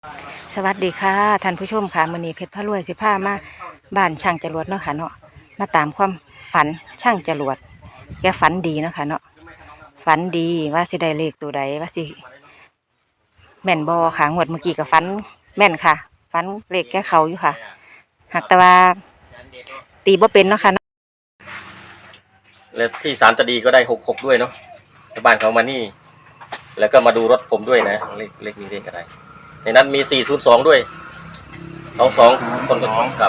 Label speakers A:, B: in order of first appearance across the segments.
A: สวัสดีค่ะท่านผู้ชมค่ะมื้อนี้เพชรพระรวยสิพามาบ้านช่างจรวดเนาะค่ะเนาะมาตามความฝันช่างจรวดแกฝันดีเนาะค่ะเนาะฝันดีว่าสิได้เลขตัวใดว่าสิแม่นบ่ค่ะงวดเมื่อกี้ก็ฝันแม่นค่ะฝันเลขแกเขาอยู่ค่ะหากแต่ว่าตีบ่เป็นเนาะค่ะเนาะ
B: และที่ศาลตะดีก็ได้66ด้วยเนาะชาวบ้านเขามานี่แล้วก็มาดูรถผมด้วยนะเลขมีเลขอะไรในนั้นมี402ด้วย22คนก็ท้องกับ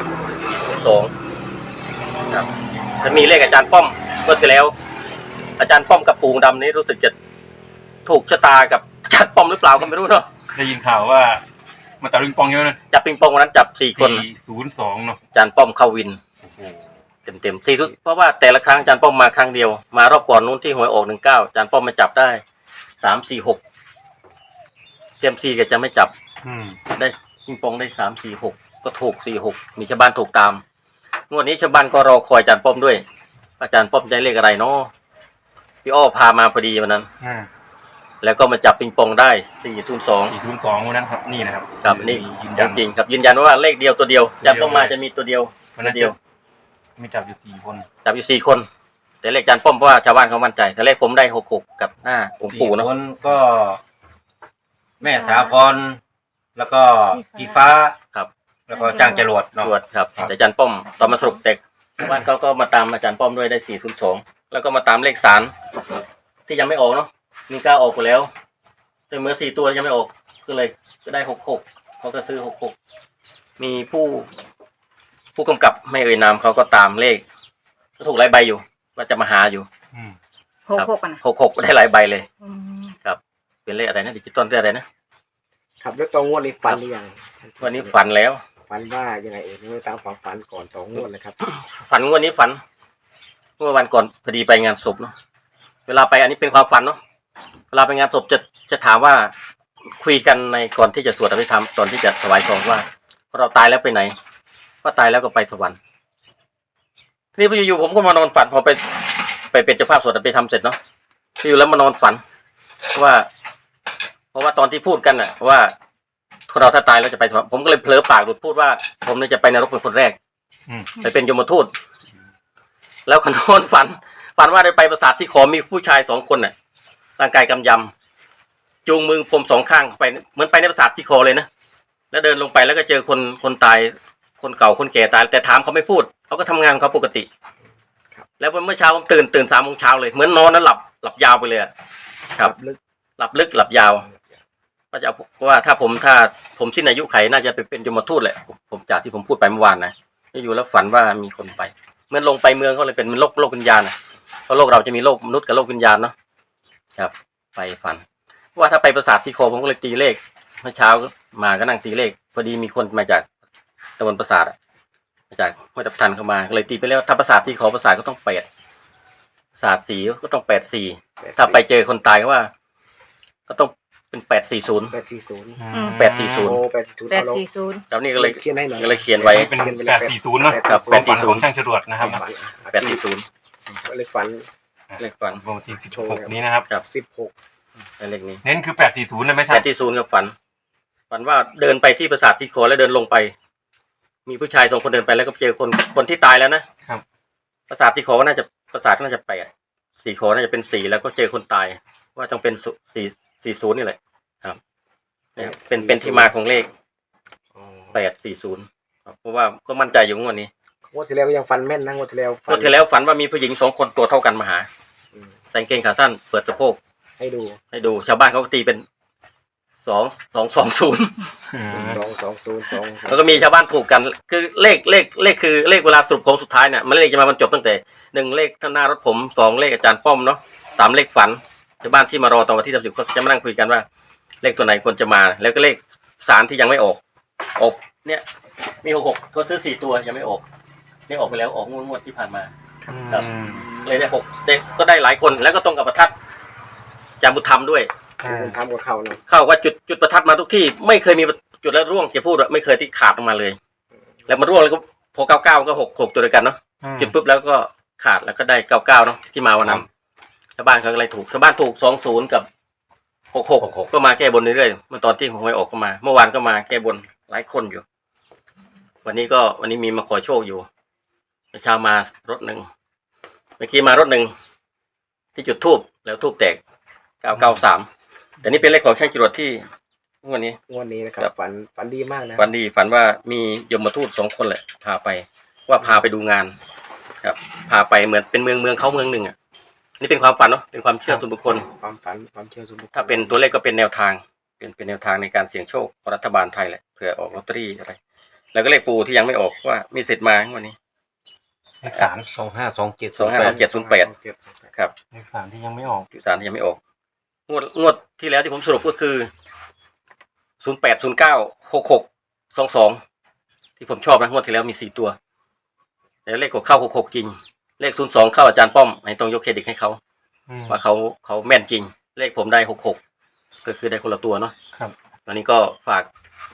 B: 402ครับจะมีเลขอาจารย์ป้อมเมื่อที่แล้วอาจารย์ป้อมกับปู่ดำนี้รู้สึกจะถูกชะตากับอาจารย์ป้อมหรือเปล่าก็ไม่รู้เนาะ
C: ได้ยินข่าวว่ามาตัดปิงปองเยอะนะ
B: จับปิงปองวันนั้นจับ4คน
C: 402เนาะ
B: อาจารย์ป้อมเข้าวินเต็มเพราะว่าแต่ละครั้งอาจารย์ป้อมมาครั้งเดียวมารอบก่อนนู้นที่หวยออก19อาจารย์ป้อมมาจับได้346เซียมซีก็จะไม่จับได้ปิงปองได้346ก็ถูก46มีชาวบ้านถูกตามงวดนี้ชาวบ้านก็รอคอยอาจารย์ป้อมด้วยอาจารย์ป้อมได้เลขอะไรเนาะพี่อ้อพามาพอดีวันนั้นแล้วก็มาจับปิงปองได้
C: 402วันนั้นครับนี่นะครับ
B: ครับนี่จริงครับยืนยันว่าเลขเดียวตัวเดียวอาจารย์ป้อมมาจะมีตัวเดียว
C: ตัวเดียวไม่จับอยู่4คน
B: จับอยู่4คนแต่เลขอาจารย์ป้อมเพราะว่าชาวบ้านเขามั่นใจแต่เลขผมได้66กับ5องค์ปู่เนาะ
D: คนก็แม่ถาพรแล้วก็พี่ฟ้า
B: ครับ
D: แล้วก็จ้างจรวดเนาะ
B: ครับแต่อาจารย์ป้อมตอนมาสรุปเด็กชาวบ้านเขาก็มาตามอาจารย์ป้อมด้วยได้402แล้วก็มาตามเลขศาลที่ยังไม่ออกเนาะมี9ออกไปแล้วแต่เมื่อ4ตัวยังไม่ออกก็เลยก็ได้66เขาก็ซื้อ66มีผู้กำกับไม่เอ่ยนามเขาก็ตามเลขก็ถูกหลายใบอยู่ว่าจะมาหาอยู่
A: 66นะ
B: 66ได้หลายใบเลยครับเป็นเลขอะไรนะดิจิตอลเลขอะไร
E: นะครับแล้วตองวดนี้ฝันหรือยัง
B: วันนี้ฝันแล้ว
E: ฝันว่ายังไงเอ่ยตามความฝันก่อนตองวดเลยครับ
B: ฝันวันนี้ฝันเมื่อวันก่อนพอดีไปงานศพเนาะเวลาไปอันนี้เป็นความฝันเนาะเวลาไปงานศพจะถามว่าคุยกันในก่อนที่จะสวดอภิธรรมตอนที่จะถวายของว่าเราตายแล้วไปไหนก็ตายแล้วก็ไปสวรรค์ทีนี้พออยู่ผมก็มานอนฝันพอไปเป็นเจ้าภาพสวดอภิธรรมเสร็จเนาะอยู่แล้วมานอนฝันว่าเพราะว่าตอนที่พูดกันน่ะว่าคนเราถ้าตายแล้วจะไปสวรรค์ผมก็เลยเผลอปากหลุดพูดว่าผมเนี่ยจะไปนรกเป็นคนแรกไปเป็นยมทูตแล้วคนนอนฝันว่าได้ไปปราสาทที่ขอมีผู้ชาย2คนน่ะร่างกายกำยำจูงมือผม2ข้างไปเหมือนไปในปราสาทที่ขอเลยนะแล้วเดินลงไปแล้วก็เจอคนตายคนเก่าคนแก่ตายแต่ถามเขาไม่พูดเขาก็ทำงานเขาปกติแล้วเมื่อเช้าผมตื่น3 โมงเช้าเลยเหมือนนอนแล้วหลับยาวไปเลยครับหลับลึกหลับยาวก็จะว่าถ้าผมสิ้นอายุไขน่าจะไปเป็นยมทูตแหละผมจากที่ผมพูดไปเมื่อวานนะอยู่แล้วฝันว่ามีคนไปเมื่อลงไปเมืองก็เลยเป็นโลกวิญญาณนะเพราะโลกเราจะมีโลกมนุษย์กับโลกวิญญาณเนาะครับไปฝันว่าถ้าไปปราสาทที่โคผมก็เลยตีเลขเมื่อเช้ามาก็นั่งตีเลขพอดีมีคนมาจากตะวันปราสาทมาจากห้วยทับทันเข้ามาก็เลยตีไปแล้วถ้าปราสาทที่โคปราสาทก็ต้อง8ปราสาทสีก็ต้อง84ถ้าไปเจอคนตายก็ว่าก็ต้องเป็น840 แล้วนี่ก็เลยเขียนไว้
C: เป็น840เนาะ
B: ครับ
C: 840ของช่างจรวดนะครับ
B: 840
E: เลขฝัน
C: วันที่16นี้นะครับ
E: 16
B: เลขนี้
C: เน้นคือ840นะไม่ใช่
B: 840กับฝันว่าเดินไปที่ปราสาทสีโคแล้วเดินลงไปมีผู้ชาย2 คนเดินไปแล้วก็เจอคนที่ตายแล้วนะครับปราสาทสีโคก็น่าจะปราสาทน่าจะ8สีโคน่าจะเป็น4แล้วก็เจอคนตายว่าต้องเป็น40นี่แหละครับเป็นที่มาของเลข840ครับเพราะว่าก็มั่นใจอยู่งวดนี้
E: งวดที่แล้วก็ยังฝันแม่นนะงวดที่แล้ว
B: ฝันว่ามีผู้หญิง2 คนตัวเท่ากันมาหาใส่กางเกงขาสั้นเปิดสะโพก
E: ให้ดู
B: ชาวบ้านเขาก็ตีเป็น220แล้วก็มีชาวบ้านถูกกันคือเลขคือเลขเวลาสรุปของสุดท้ายเนี่ยมันเลขจะมาบรรจบตั้งแต่1เลขข้างหน้ารถผม2เลขอาจารย์ป้อมเนาะ3เลขฝันชาวบ้านที่มารอตอนวันที่30ก็จะมานั่งคุยกันว่าเลขตัวไหนควรจะมาแล้วก็เลขสารที่ยังไม่ออกเนี่ยมี66ก็ซื้อ4ตัวยังไม่ออกนี่ออกไปแล้วออกงวดที่ผ่านมาครับเลยได้6เด็กก็ได้หลายคนแล้วก็ตรงกับประทัดจามบุญธรรมด้วย
E: ทำกับเขาเนาะ
B: เข้าว่าจุดประทัดมาทุกที่ไม่เคยมีจุดแล้วร่วงจะพูดว่าไม่เคยที่ขาดออกมาเลยแล้วมาร่วงแล้วก็พอ99ก็66ตัวเดียวกันเนาะจุดปุ๊บแล้วก็ขาดแล้วก็ได้99เนาะที่มาวันนั้นชาวบ้านเขาอะไรถูกชาวบ้านถูก20กับ 66ก็มาแก้บนเรื่อยๆเมื่อตอนที่หวยออกก็มา เมื่อวานก็มาแก้บนหลายคนอยู่ วันนี้มีมาขอโชคอยู่เมื่อเช้ามารถหนึ่งเมื่อกี้มารถหนึ่งที่จุดธูปแล้วธูปแตก993แต่นี่เป็นเลขของช่างจรวดที่งวดนี้
E: งวดนี้นะครั
B: ครับ บ
E: ฝันดีมากนะ
B: ฝันดีฝันว่ามียมทูต2 คนแหละพาไปว่าพาไปดูงาน ครับ พาไปเหมือนเป็นเมืองเขาเมืองหนึ่งอ่ะนี่เป็นความฝันเนาะเป็นความเชื่อส่วนบุคคล
E: ความฝันความเชื่อส่วนบุคคล
B: ถ้าเป็นตัวเลขก็เป็นแนวทาง เป็นแนวทางในการเสี่ยงโชคของรัฐบาลไทยแหละเผื่อออกลอตเตอรี่อะไรแล้วก็เลขปูที่ยังไม่ออกว่ามีสิทธิ์มาวันนี้
C: เลขสาม
B: 252708ครับ
C: เลขสามที่ยังไม่ออก
B: ที่สารที่ยังไม่ออกงวดที่แล้วที่ผมสรุปก็คือ08096622ที่ผมชอบนะงวดที่แล้วมี4 ตัวแล้วเลขก็เข้า66จริงเลข02เข้าอาจารย์ป้อมให้ต้องยกเครดิตให้เขา ว่าเขาแม่นจริง เลขผมได้66ก็คือได้คนละตัวเนาะ
C: ครับ
B: วันนี้ก็ฝาก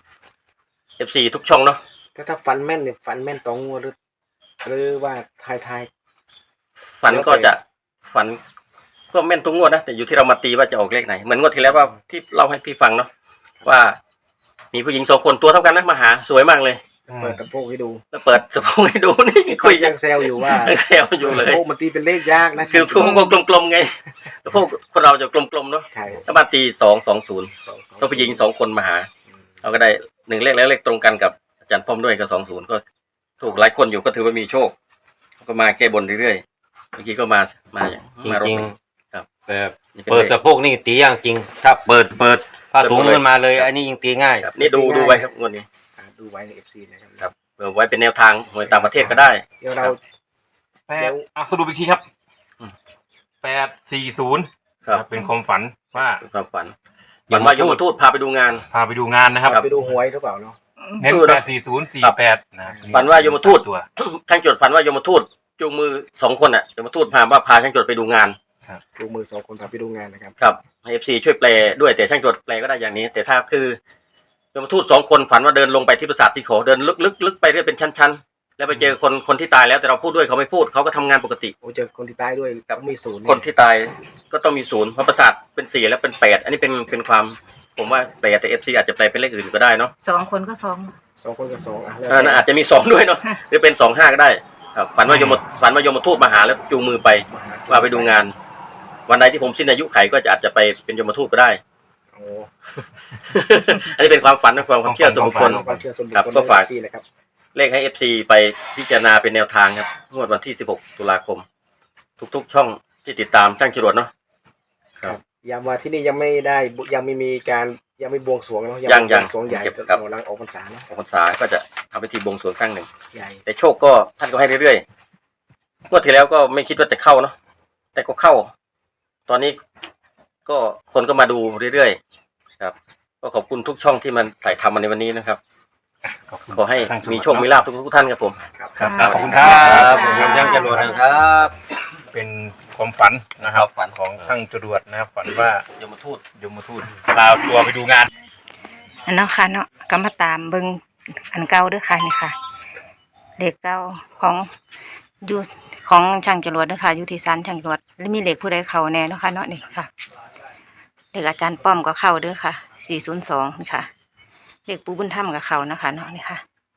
B: FC ทุกช่องเนาะ
E: ก็ถ้าฝันแม่นเนี่ยฝันแม่นตรงงวดหรือว่าทาย
B: ฝันก็จะฝันก็แม่นทุกงวดนะแต่อยู่ที่เรามาตีว่าจะออกเลขไหนเหมือนงวดที่แล้วว่าที่เล่าให้พี่ฟังเนาะว่ามีผู้หญิง2 คนตัวเท่ากันนะมาหาสวยมากเลย
E: เปิดกระโปรงให้ดู
B: แล้วเปิดสะโพกให้ดูนี่คุย
E: ยังแซวอยู่ว่า
B: ยังแซวอยู่เลย
E: โอ้มันตีเป็นเลขยากนะ
B: คือพวกกลมๆไงพวกคนเราจะกลมๆเนาะ
E: ใช่
B: แล้วมาตี220แล้วผู้หญิง2 คนมาหาเราก็ได้1 เลขแล้วเลขตรงกันกับอาจารย์ป้อมด้วยก็20ก็ถูกหลายคนอยู่ก็ถือว่ามีโชคก็มาแก้บนเรื่อยๆเมื่อกี้ก็มา
D: จริ
B: มารถ
D: ง
B: ครับ
D: ๆแบบเปิดสะโพกนี่ตีอย่างจริง ถ้าเปิดผ้าถุงขึ้นมาเลย อันนี้ยิงตีง่าย
B: ครับนี่ดูไว้ครับงวดนี้
E: ดูไว้ใน FC นะครับ
B: ครับเปิดไว้เป็นแนวทางหวยต่างประเทศก็ได้
E: เดี๋ยวเรา
C: สรุปอีกทีครับ
B: อืม
C: 840
B: ครับ
C: เป็นความฝันว่า
B: เป็นความฝันฝันว่ายมทูตพาไปดูงาน
C: พาไปดูงานนะครับ
E: ไปดูหวยหรือเปล่าเนาะ
C: เน้น
B: ดูนะ
C: 84048นะ
B: ฝันว่ายมทูต
C: ตัว
B: ช่างจดฝันว่ายมทูตจูงมือ2 คนอ่ะยมทูตพาช่างจดไปดูงาน
E: ดูมือ2 คนพาไปดูงานนะครับ
B: ครับให้ FC ช่วยแปลด้วยแต่ช่างจดแปลก็ได้อย่างนี้ แต่ถ้าคือยมทูต2 คนฝันว่าเดินลงไปที่ปราสาทสีขอเดินลึกไปเรื่อยเป็นชั้นๆแล้วไปเจอคนที่ตายแล้วแต่เราพูดด้วยเขาไม่พูดเขาก็ทำงานปกติ
E: โอ้เจอคนที่ตายด้วยต้องมีศูนย์
B: คนที่ตายก็ต้องมี0เพราะปราสาทเป็น4แล้วเป็น8อันนี้เป็นความผมว่าแปลแต่ FC อาจจะแปลเป็นเลขอื่นก็ได้เนาะ
A: 2 คนก็2
E: 2 คนกับ2แล้ว
B: อาจจะมี2ด้วยเนาะหรือเป็น25ก็ได้ครับฝันว่ายมทูตมาหาแล้วจูงมือไปว่าไปดูงาน วันใดที่ผมสิ้นอายุไขก็อาจจะไปเป็นยมทูตก็ได้
E: โอ้
B: อันนี้เป็นความฝันนะความเชื่อส่วนบุคคล
E: ความเชื่อส่วนบุค
B: ครับ
E: คล
B: ก็ฝาก
E: ที่นะครับ
B: เลขให้ FC ไปพิจารณาเป็นแนวทางครับงวดวันที่16 ตุลาคม ทุกช่องที่ติดตามช่างจรวดเนาะ ครับ
E: ย้ำว่าที่นี่ยังไม่มีการยังไม่บวงสรวงเนาะ
B: ยัง
E: บวงสรวงใหญ่
B: เก็บครับ
E: หลังออกพรรษาเนาะ
B: ออกพรรษาก็จะทำพิธีบวงสรวงครั้งหนึ่ง
E: ใหญ่
B: แต่โชคก็ท่านก็ให้เรื่อยๆงวดที่แล้วก็ไม่คิดว่าจะเข้าเนาะแต่ก็เข้า ตอนนี้ก็คนก็มาดูเรื่อยๆครับ ก็ขอบคุณทุกช่องที่มันถ่ายทำมาในวันนี้นะครับ ขอให้มีโชคมีลาภทุกท่านครับผม
E: ครับ
C: ครับขอบคุณค
D: ค
C: รั
D: รับ บผมช่างจรวดนะครับ
C: เป็นความฝันนะครับ
B: ฝัน
C: ของช่างจรวดนะครับ ฝันว่าย
B: มทูต
C: ยมทูตลาตัวไปดูงาน
A: อันเนาะค่ะเนาะก็มาตามเบิ่งอันเก่าเด้วยค่ะนี่ค่ะเลขเก่าของอยู่ของช่างจรวดเด้อค่ะอยู่ที่ศาลช่างจรวดแล้วมีเลขผู้ใดเข้าแน่เนาะค่ะเนาะนี่ค่ะเลขอาจารย์ป้อมก็เข้าเด้อค่ะ402นี่ค่ะเลขปู่บุญธรรมก็เข้านะคะเนาะนี่ค่ะ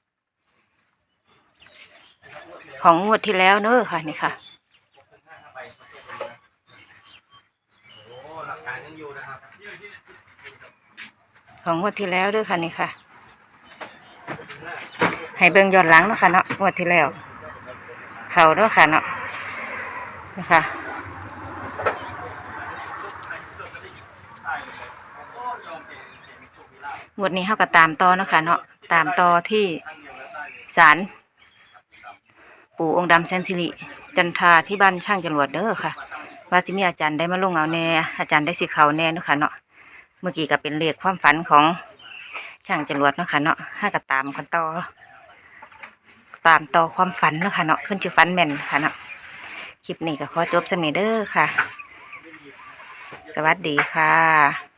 A: ของงวดที่แล้วเนอะค่ะนี่ค่ะ ของงวดที่แล้วด้วยค่ะนี่ค่ะ ให้เบิ่งย้อนหลังเนาะค่ะเนาะงวดที่แล้ว เขาเนาะค่ะเนาะนะคะงวดนี้เขาก็ตามต่อเนาะค่ะเนาะตามต่อที่ศาลปู่องค์ดำแสนสิริจันทราที่บ้านช่างจรวดเด้อค่ะ ว่าสิมีอาจารย์ได้มาลงเอาแน่อาจารย์ได้สิเขาแน่เนาะค่ะเนาะเมื่อกี้ก็เป็นเลขความฝันของช่างจรวดเนาะค่ะเนาะให้ก็ตามกันต่อความฝันเนาะค่ะเนาะขึ้นชื่อฝันแม่นค่ะเนาะคลิปนี้ก็ขอจบสนิเด้อค่ะ สวัสดีค่ะ